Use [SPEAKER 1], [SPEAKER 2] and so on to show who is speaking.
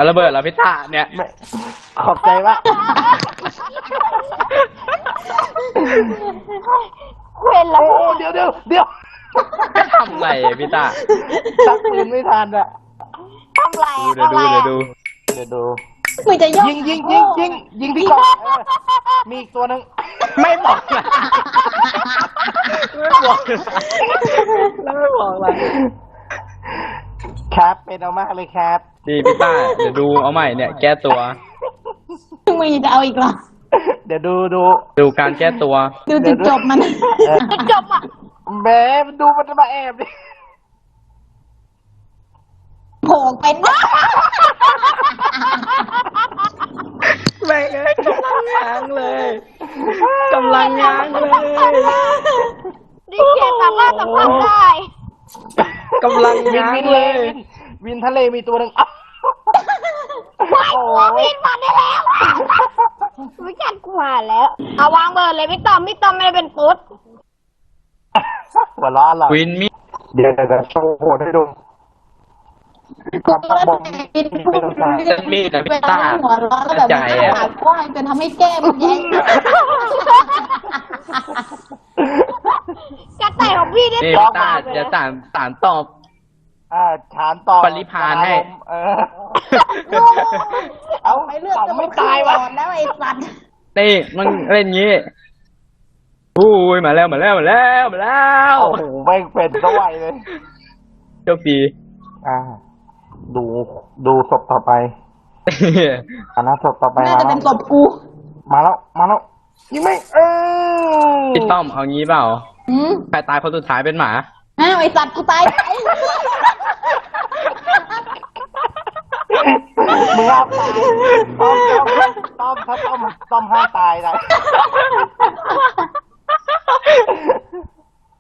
[SPEAKER 1] ระเบิดแล้วพี่ตาเนี่ย
[SPEAKER 2] ไม่ขอบใจมาก
[SPEAKER 3] เว้นแล้ว
[SPEAKER 2] โอ้เดี๋ยว
[SPEAKER 1] ทำไรอะพี่ตา
[SPEAKER 2] ตักปืนไม่ทันอะ
[SPEAKER 3] ทำไร
[SPEAKER 1] เดี๋ยวดูเดี๋ยวดู
[SPEAKER 2] เดี๋ยวดู
[SPEAKER 3] มึงจะย่อง
[SPEAKER 2] ยิงที่กล่องมีอีกตัวหนึ่ง
[SPEAKER 1] ไม่บอกละไม่บอกแล้วไม่บอกละ
[SPEAKER 2] ครับเป็นเอามากเลยครับ
[SPEAKER 1] ดีพี่ตาเดี๋ยวดูเอาใหม่เนี่ย แก้ตัว
[SPEAKER 3] มึงจะเอาอีกเหรอ
[SPEAKER 2] เดี๋ยวดู
[SPEAKER 1] ดูการแก้ตัว
[SPEAKER 3] ดูจุดจบมันจุดจบอ่ะ
[SPEAKER 2] แหมมันดูมันจะมาแอบดิ
[SPEAKER 3] โผล่เป็นวะ
[SPEAKER 1] ไม่เลยกำลังง้างเลยกำลังง้างเลย
[SPEAKER 3] ดิเจสามารถสัมผัสได้
[SPEAKER 1] กำลังง้าง
[SPEAKER 2] วิน
[SPEAKER 1] เลย
[SPEAKER 2] วินทะเลมีตัวหนึ่ง
[SPEAKER 3] ว้ายกลัววินมาได้แล้ววิจารณ์กลัวแล้วเอาวางเบอร์เลยพี่ต้อมไม่ได้เป็นปุ๊ด
[SPEAKER 2] หัวล้อเรา
[SPEAKER 1] วินมี
[SPEAKER 2] เดี๋ยวโชว์โหดให้ดูความปักบอมไม่ต้องการ
[SPEAKER 1] เส้นมีดนะพี่ตา
[SPEAKER 3] หัวร้อนแล้วแบบ
[SPEAKER 1] ใจอะ
[SPEAKER 3] ปากกว้างจนทำให้แก้มแย้งกระต่ายของพี่ได้
[SPEAKER 1] นี่
[SPEAKER 3] ต
[SPEAKER 1] พี่
[SPEAKER 3] อบ
[SPEAKER 1] ตา
[SPEAKER 3] มาเลย
[SPEAKER 1] จะสารตอบ
[SPEAKER 2] ฐานต่อ
[SPEAKER 1] ปริพานให้
[SPEAKER 2] เอา
[SPEAKER 3] ไปเลือก
[SPEAKER 2] ต่อ
[SPEAKER 3] จะ
[SPEAKER 2] ไม่
[SPEAKER 3] ไม่
[SPEAKER 2] ตา
[SPEAKER 3] ตาย ยว
[SPEAKER 2] ะ
[SPEAKER 3] แล้วไอ้สัตว์
[SPEAKER 1] นี่มันเล่นงี้อุ้ยมาแล้ว
[SPEAKER 2] โอ้โหไม่เป็นสวัยเลย
[SPEAKER 1] โชคดี
[SPEAKER 2] ดูศพต่อไปศพต่อไป
[SPEAKER 3] น่าจะเป็นศพกู
[SPEAKER 2] มาแล้วยิงไม่
[SPEAKER 1] พี่ต้อมเอางี้เปล่า
[SPEAKER 3] อืม
[SPEAKER 1] ใครตายคนสุดท้ายเป็นหมา
[SPEAKER 3] อ้าวไอ้สัตว์กูตาย
[SPEAKER 2] มึงห้ามตายต้อมห้ามตายนะ